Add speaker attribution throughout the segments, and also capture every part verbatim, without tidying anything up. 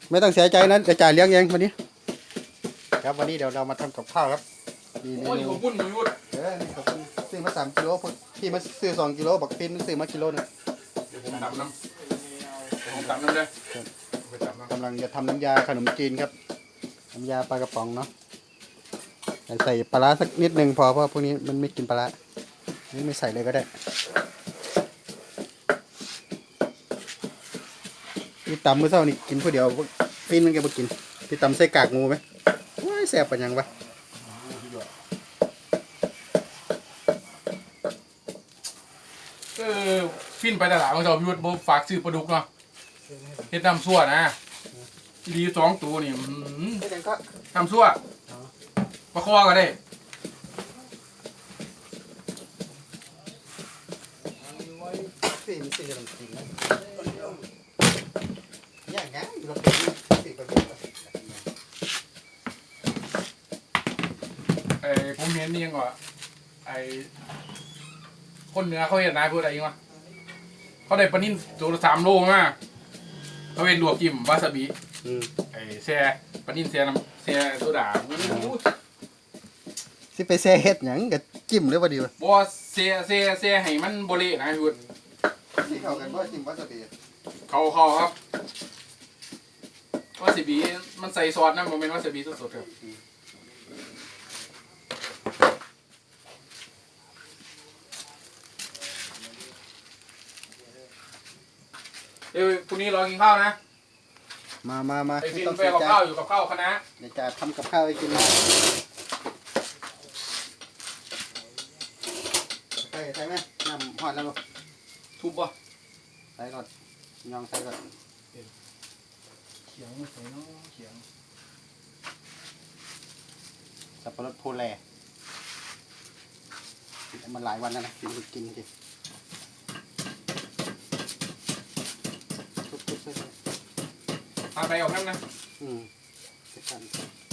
Speaker 1: ไม่ต้องเสียใจนะจะจ่ายเลี้ยงเองวันนี้ครับวันนี้เดี๋ยวเรามาทำกับข้าวครับมีเม
Speaker 2: โอ้ย
Speaker 1: นู
Speaker 2: ผมพุ่นอยู่ยุด
Speaker 1: เออนี่ขอบคุณซื้อมาสามกิโลพี่มาซื้อสองกิโลบักปินซื้อมากิโลนึง
Speaker 2: เดี๋ยวผมตับน้ำเดี๋ยวผมตับน้ำเลยไปตับน้ำ
Speaker 1: กำลังจะทำน้ำยาขนมจีนครับน้ำยาปลากระป๋องเนาะใส่ปลาร้าสักนิดนึงพอเพราะพวกนี้มันไม่กินปลาร้านี่ไม่ใส่เลยก็ได้พี่ตำเมื่อเช้านี่กินผู้เดียวฟินมันแกบ่กินพี่ตำใส่กากงูไหมว้ายแซ่บปะยังวะ
Speaker 2: เออฟินไปตลาดของเราพี่วุฒิผมฝากซื้อปลาดุกเนาะเฮ็ดน้ำซั่วนะดีสองตัวนี่อื้อหือ
Speaker 1: ไม่ยังก็
Speaker 2: น้ำซั่วปลาคอก็ได้
Speaker 1: ฟินสิขนมจีนนะอย่างงั้นเราเป็นสิบประเภท
Speaker 2: ไอ้ผมเห็นนี่ยังก่อนไอ้คนเหนือเขาเห็นนายพูดอะไรยังวะเขาได้ปลานิ่มตัวละสามโลมาเขาเป็นลวกจิ้มวาซาบิ
Speaker 1: อืม
Speaker 2: ไอ้แซ่ปลานิ่มแซ่น้ำแซ่โซดาโอ้โห
Speaker 1: สิไปแซ่เฮ็ดหยังกับจิ้มหรือว่าดีวะ
Speaker 2: บ่แซ่แซ่แซ่ให้มันบ่เละนะพี่วุฒิ
Speaker 1: ที่เข้ากันว่าจิ้มวาซาบิ
Speaker 2: เขาเขาครับวาซาบิมันใส่ซอสนะมันเป็นวาซาบิสดๆครับเอ้ยพรุ่งนี้รอกินข้าวนะ
Speaker 1: มามามา
Speaker 2: ไอ้ฟิน
Speaker 1: ต้อง
Speaker 2: ไป
Speaker 1: เสีย
Speaker 2: กับ
Speaker 1: ใจ
Speaker 2: ข้าวอยู่กับข้าวคณะ
Speaker 1: เดี๋ยวจะทำกับข้าวให้กินนะใส่ใส่ไหมน้ำหอดแล้วลูก
Speaker 2: ทุบป่ะ
Speaker 1: ใส่ก่อนยองใส่ก่อน
Speaker 2: เขียงไม่ใส่เนาะเขียง
Speaker 1: สับปะรดโพแลมันหลายวันแล้วนะกินกินกินทุบๆใส่
Speaker 2: พาไปออกน้ำนะ
Speaker 1: อืมเสร็จกัน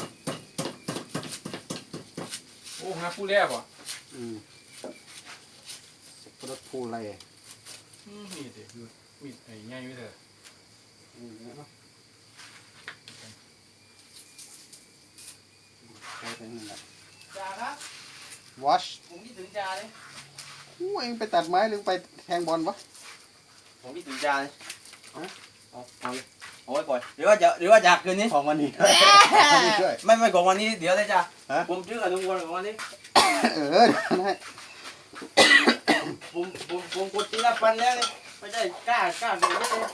Speaker 2: โอ้ฮะผู้แรกว่ะ
Speaker 1: อืมสับปะรดโพแล
Speaker 2: อืมมีดดิมีดไอ้ง่ายไม่เถอะ
Speaker 1: อืมเนาะใส่ไปนั่นแหละ
Speaker 3: จ่าครับ
Speaker 1: wash
Speaker 3: ผมคิดถึงจ่าเลย
Speaker 1: อู้เองไปตัดไม้หรือไปแทงบอลวะ
Speaker 3: ผมคิดถึงจ่าเลย
Speaker 1: ฮะ
Speaker 3: เอาเอาเลยเอาไว้ก่อนหรือว่าจะหรือว่าจากคืนนี้
Speaker 1: ของวันนี้วันนี้ด้วย
Speaker 3: ไม่ไม่ของวันนี้เดี๋ยวเลยจ้า
Speaker 1: ฮะ
Speaker 3: ผมชื่ออนุวัฒน์ของวันนี้
Speaker 1: เออได้
Speaker 3: ผมผมผมกดทีละพันแล้วเลยไม่ใช่กล้ากล้าเกินไปเลย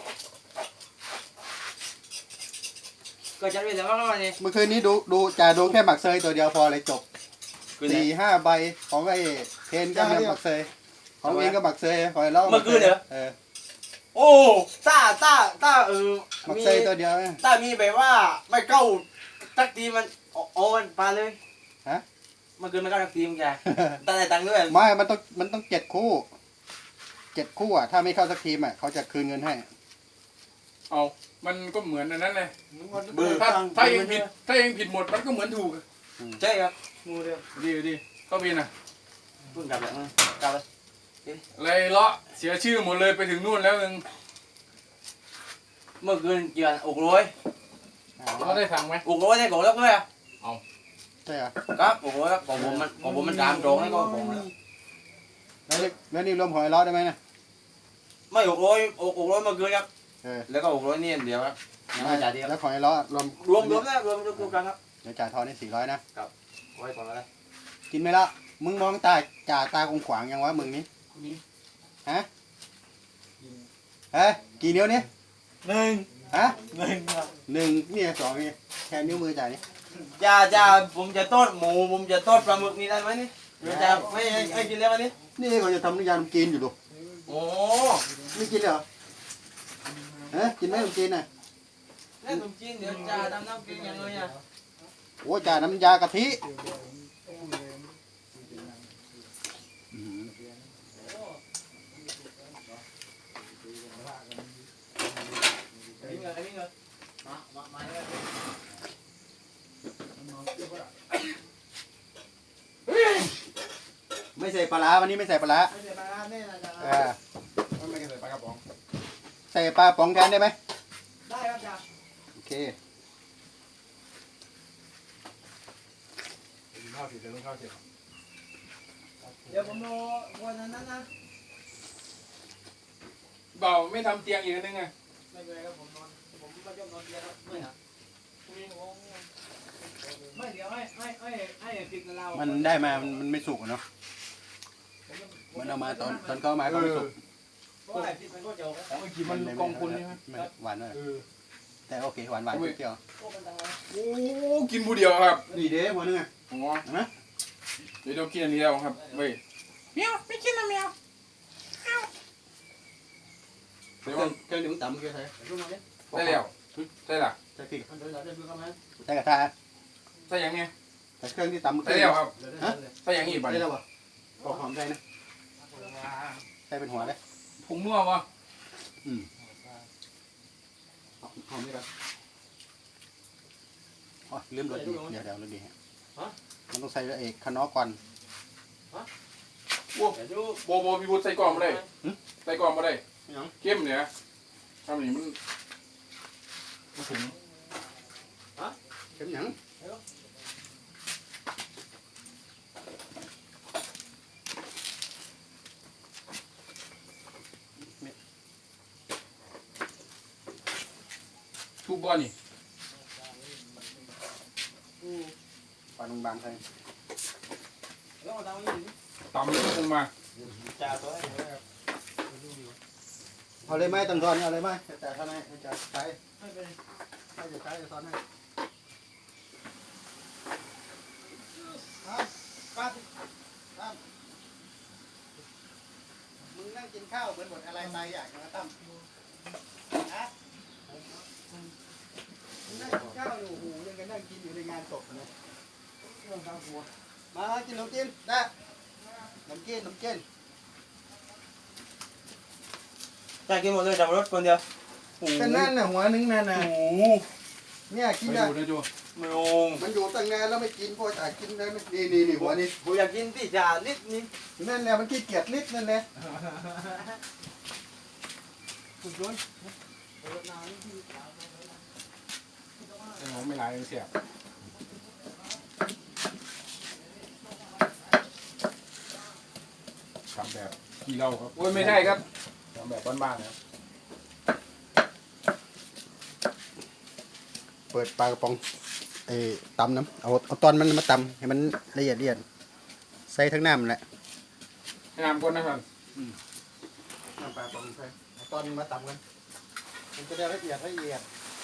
Speaker 3: ก็จะเป็นแต่ว่าวันนี้
Speaker 1: เมื่อคืนนี้ดูดูจ่าดูแค่หมักเซยตัวเดียวพอเลยจบ
Speaker 3: คืนไหน
Speaker 1: สี่ห้าใบของไอ้เทนก็เนี่ยหมักเซยของเองก็หมักเซยของไอ้เล่า
Speaker 3: เมื่อคืนเหรอ
Speaker 1: เออ
Speaker 3: โอ้ต้าต้าต้าเออ
Speaker 1: หมัก
Speaker 3: มี
Speaker 1: เซยตัวเดียวเนี่ย
Speaker 3: ต้ามีแบบว่าไม่เข้าตักทีมันเอาเอามันปาเลย
Speaker 1: ฮะ
Speaker 3: เมื่อคืนมันเข้าตักทีมแกต้าได้ตังค์ด้วย
Speaker 1: ไม่มันต้องมันต้องเจ็ดคู่เจ็ดคู่อ่ะถ้าไม่เข้าสักทีมอ่ะเขาจะคืนเงินให้
Speaker 2: เอามันก็เหมือนอันนั้นเลย
Speaker 3: เบอร์
Speaker 2: ถ้า
Speaker 3: ตังค์
Speaker 2: ถ้าเองผิดถ้าเองผิดหมดมันก็เหมือนถูก
Speaker 3: ใช่ครับงูเดียว
Speaker 2: ดีดีก็เป็นอ่ะ
Speaker 3: เพิ่งกลับแล้วนะกลับแล้ว
Speaker 2: เลยเลาะเสียชื่อหมดเลยไปถึงนู่นแล้วนึง
Speaker 3: เมื่อคืนเกี่ยวอกร้อย
Speaker 2: เขาได้สั่งไหม
Speaker 3: อกร้อยได้ของแล้วด้วยอ่ะ
Speaker 1: ใช่เหรอ
Speaker 3: ครับอกร้อยครับของผมมันของผมมันตามตรงให้ก็ของแล้ว
Speaker 1: แล้วนี่แล้วนี่รวมของไอ้ล้อได้ไหมเนี่ย
Speaker 3: ไม่อกร้อยอกอกร้อยเมื่อคืนครับ
Speaker 1: เออ
Speaker 3: แล้วก็อกร้อยนี่อันเดียวครับยังไม่จ่ายเดียว
Speaker 1: แล้วของไอ้ล้อรวม
Speaker 3: รวมรวมนะรวมรวมรวมกันครับ
Speaker 1: เดี๋ยวจ่ายทอนให้สี่ร้อยนะ
Speaker 3: ไว้ก่อนอะไร
Speaker 1: กินไหมล่ะมึงมองตาจ่าตาคงขวางยังวะมึงนี่ฮะฮะกี่นิ้วนี่
Speaker 3: หนึ่ง
Speaker 1: ฮะ
Speaker 3: หนึ่งครับ
Speaker 1: หนึ่งนี่สองนี่แค่นิ้วมือจ่ายนี่
Speaker 3: จ่าจ่าผมจะทอดหมูผมจะทอดปลาหมึกนี่ได้ไหมนี่เดี๋ยวจะไม่ให้ให้กินแล้ววันนี้
Speaker 1: นี่เขาจะทำน้ำยาขนมจีนอยู่ดู
Speaker 3: โอ้
Speaker 1: ไม่กินเหรอฮะกินไหมขนมจีนน่ะ
Speaker 3: แล้วขนมจีนเดี๋ยวจ่าทำน้ำกินยังไงอ่ะ
Speaker 1: โอ้จ่าน้ำยากะทิ
Speaker 3: นี่เงินนี่เงินมามามาเลย
Speaker 1: ไม่ใส่ปลาร้าวันนี้ไม่ใส่ปลาร้า
Speaker 3: ไม่ใช่ปลาร้าแน่นะจ่า
Speaker 1: เออ
Speaker 2: ไม่ใส่ปลากระป๋อง
Speaker 1: ใส่ปลาป๋องแทนได้ไหม
Speaker 3: ได้ครับจ่า
Speaker 1: อโอเค
Speaker 2: ข้าวสิเดี๋ยวข้าวสิ
Speaker 3: เดี๋ยวผมรอวันนั้นนะ
Speaker 2: เบาไม่ทำเตียงอีกนึงไง
Speaker 3: ไม่เป็นไรครับผมนอนผมก็ยอมนอนเตียงครับไม่ครับไม่เดี๋ยวให้ให้ให้ให้ปิดกับเรา
Speaker 1: มันได้มามันมันไม่สุกอะเนาะมันเอามาตอนตอนเขาเอามาก็ไม่สุก
Speaker 3: เพราะไอ้ปิดมันก็จะ
Speaker 2: อ๋อเมื่อกี้มันกองคุณใช่ไหม
Speaker 1: ไม่หวานเลย
Speaker 2: เออ
Speaker 1: แต่โอเคหวานหวานเปรี้ยว
Speaker 3: พวกมันต่าง
Speaker 2: โอ้กินบูเดียวครับ
Speaker 1: ๆนี่เด้หัวนึงอ่ะ
Speaker 2: อ๋อ
Speaker 1: เห็นไหม
Speaker 2: เดี๋ยวเรากินอันนี้แล้วครับเว้ยเมียวไม่กินนะเมียว
Speaker 1: เครื่องเครื่องดื่มต่ำเมื่อกี้ใช่
Speaker 3: รู้ไหม
Speaker 2: ได้แล้วได้ละ
Speaker 1: ใส่พริก
Speaker 3: มันเดินเราเดินดูกันไหม
Speaker 1: ใส่กระทะ
Speaker 2: ใส่ยังไง
Speaker 1: ใส่เครื่องที่ต่ำเมื่อ
Speaker 2: ใส่
Speaker 1: กี้
Speaker 2: แล้วครับ
Speaker 3: เดินเดินเลย
Speaker 2: ใส่ยังอีกบ้าง
Speaker 1: ได้แล้วป่ะปอกหอมใส่นะใส่เป็นหัวเลย
Speaker 2: ผงนัววะ
Speaker 1: อืมหอมนี่ครับอ๋อลืมรสดีเดี๋ยวเดี๋ยวรสดีฮะมันต้องใส่เอกขนอก่อน
Speaker 2: โอ้
Speaker 3: เดี๋ยวดู
Speaker 2: โบโบพี่บุตรใส่กล่องมาได้ใส่กล่องมาได้
Speaker 1: ยัง
Speaker 2: เข้มเนี่ยทำอย่างนี้มันมันถึง
Speaker 1: เข็มหยัง
Speaker 2: ทุบบอลนี่
Speaker 1: ปลาลงบางใส่
Speaker 3: แล้วเอาตังค์นี่
Speaker 2: ตำแล้วลงมา
Speaker 3: จ่าตัวให้
Speaker 1: เอาเลยไหมตังทอนเอาเลยไหมแต่ท่านให้จะใช้
Speaker 3: ไม่เป็น
Speaker 1: ให้จะใช้จะซ้อนให้
Speaker 3: ป้า
Speaker 1: มึงนั่งกินข้าวเหมือนหมดอะไรตายอยากนะตั้มฮะมึงนั่งกินข้าวอยู่โอ้โหยังกันนั่งกินอยู่ในงานศพนะมากินขนมจีนได้ขนมจีนขนมจีน
Speaker 3: จ่ากินหมดเลยจับรถคนเดียว
Speaker 1: ก็นั่นน่ะหัวนึงนั่นน่ะ
Speaker 2: โอ้โห
Speaker 1: เนี่ยกิน
Speaker 2: ไป
Speaker 1: ได้
Speaker 2: ดูนะจู
Speaker 3: ไม่ลง
Speaker 1: มันอยู่ตั้งนานแล้วไม่กินพอจ่ายกินได้ไม่นี่นี่นี่หัวนี่
Speaker 3: ผมอยากกินที่จ่านิดนิด
Speaker 1: นั่นแหละมันขี้เกียจลิดนั่นแหละ
Speaker 3: คุณชวน
Speaker 2: ไม่ร้ายเสียบทำแบบกี่เราครับโอ้ยไม่ใช่ครับทำแบบบ้านๆนะครับ
Speaker 1: เปิดปลากระป๋องไอ้ตำน้ำเอาเอาตอนมันมาตำให้มันละเอียดละเอียดใส่ทั้งน้ำแหละ
Speaker 2: ให้น้ำก้นนะครับ
Speaker 1: น้ำปลากระป๋องใส่เอาตอนมาตำกันมันจะได้ละเอียดละเอียด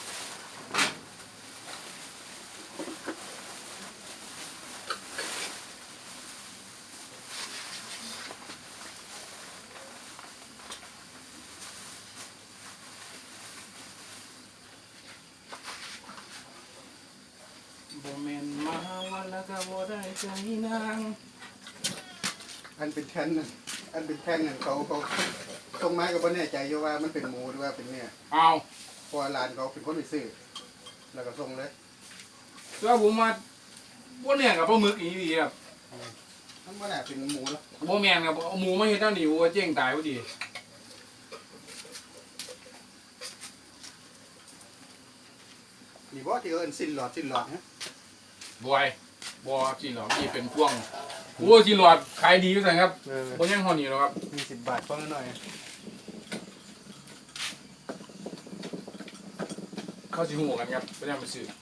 Speaker 2: โบเมนมาวันแล้วก็บ่ได้ใจนาง
Speaker 1: อันเป็นแท่นน่ะอันเป็นแท่งน่ะเขาเขาตรงไม้ก็บ่แน่ใจอยู่ว่ามันเป็นหมูหรือว่าเป็นเนี่ย
Speaker 2: เอา
Speaker 1: เพราะว่าร้านเขาเป็นคนไปซื้อแล้วก็ส่งเลย
Speaker 2: เสื้อผมมาพวกเนี่ยกับปลาหมึกอีดีครับ
Speaker 1: มันบ่น่าเป็นหมูหรอก
Speaker 2: โบแมนกับเอาหมูมาเห็นเจ้าหนิวเจ๊งตายพอดี
Speaker 1: นี่บ่ที่เอิ้นสิ้นหลอดสิ้นหลอดฮะ
Speaker 2: บอยบอจีนหรอที่เป็นพ่วงโอ้จีนหลอดขายดีอยู่สังครับ
Speaker 1: เออ
Speaker 2: โบยังหอนี่หรอกครับ
Speaker 1: มีสิบบาทพอหน่อย
Speaker 2: เข้าสิหูกันครับไม่ได้มาซื้อ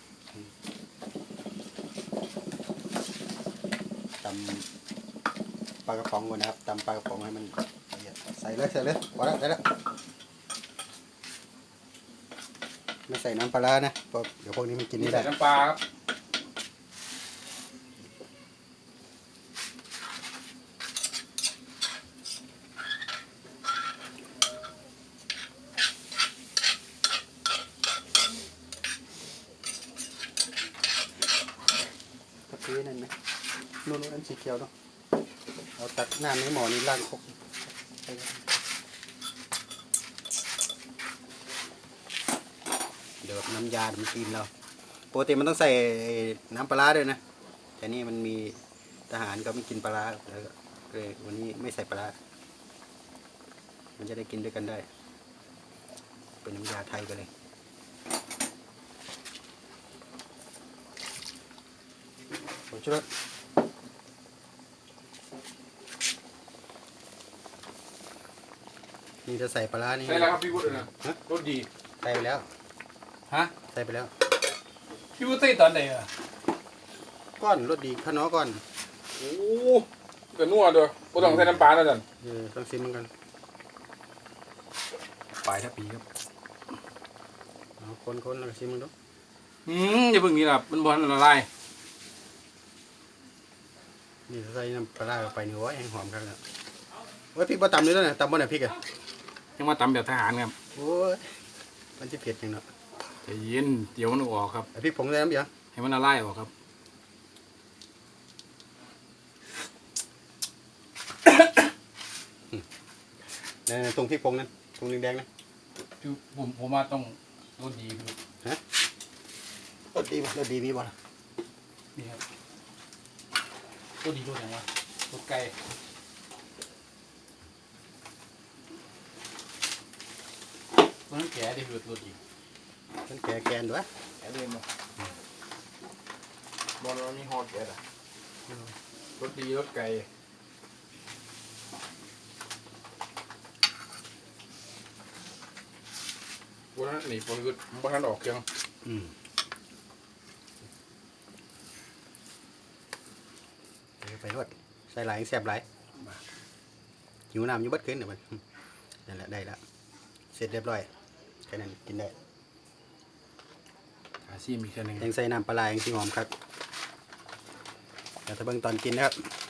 Speaker 1: ตำปลากระป๋องก่อนนะครับตำปลากระป๋องให้มันละเอียดใส่เลยใส่เลยพอแล้วใส่แล้วไม่ใส่น้ำปลาร้านะเพราะเดี๋ยวพวกนี้มันกิน
Speaker 2: นี่
Speaker 1: ไม่
Speaker 2: ใส่
Speaker 1: ได้
Speaker 2: น้ำปลาครับ
Speaker 1: กะทินั่นไหมนู่นๆอันสีเขียวเนาะเอาตักน้ำในหม้อนี้ล้างครกเดี๋ยวน้ำยามันกินเราปกติมันต้องใส่น้ำปลาร้าด้วยนะแต่นี่มันมีทหารก็ไม่กินปลาร้าแล้วก็เลยวันนี้ไม่ใส่ปลาร้ามันจะได้กินด้วยกันได้ เป็นน้ำยาไทยไปเลยชูรสนี่จะใส่ปลาร้านี่
Speaker 2: ใส่แล้วครับพี่วุฒินะ
Speaker 1: ฮะ
Speaker 2: รสดี
Speaker 1: ใส่ไปแล้ว
Speaker 2: ฮะ
Speaker 1: ใส่ไปแล้ว
Speaker 2: พี่วุฒิใส่ตอนไหนอ่ะ
Speaker 1: ก้อนรสดีข้าวน้อก้อน
Speaker 2: โอ้ก็นัวด้วยบ่ต้องใส่น้ำปลาแล้วจัน
Speaker 1: เออต้องซิมกันปลายทับปีครับเอาคนๆแล้วก็ซิมมันดู
Speaker 2: อืมอย่าเพิ่งนี่ล่ะมันบ่ทันละลาย
Speaker 1: นี่ใส่น้ำปลาร้าเข้าไปนี่โอ้ยแห้งหอมครับเนี่ยโอ้ยพริกบ่ตำเลยแล้วนะตำบ่เนี่ยพริกอ่ะ
Speaker 2: ยังมาตำแบบทหารครับ
Speaker 1: โอ้ยมันจะเผ็ดจังเนาะ
Speaker 2: ใจเย็นเดี๋ยวมันออกครับ
Speaker 1: ไอ้พริกผงใส่น้ำเดียว
Speaker 2: ให้มันละลายออกครับ
Speaker 1: นั่นๆตรงพริกผงนั่นตรงแดงๆนะ
Speaker 2: พี่ผมผมว่าต้องรสดีพี่
Speaker 1: รสดีบ่รสดีมีบ่ล่ะ
Speaker 2: นี่ครับรสดีรสอย่างวะรสไก่มันต้องแก่ดิพี่รสดี
Speaker 1: มันแก่แกนด้วย
Speaker 3: แกเรียนมาบอลมันมีฮอตแกอ่ะ
Speaker 2: รสดีรสไก่วันนั้นนี่ผมคือวันนั้นออกยัง
Speaker 1: อืมเอาไปรวดใส่หลายแซ่บหลายหิวน้ำอยู่เบัดขึ้นเดี๋ยวมันนั่นแหละได้แล้วเสร็จเรียบร้อยแค่นั้นกินได้
Speaker 2: อาซีมีแค่หนึ่ง
Speaker 1: ยังใส่น้ำปลาร้ายังสีหอมครับเดี๋ยวถ้าเบิ่งตอนกินนะครับ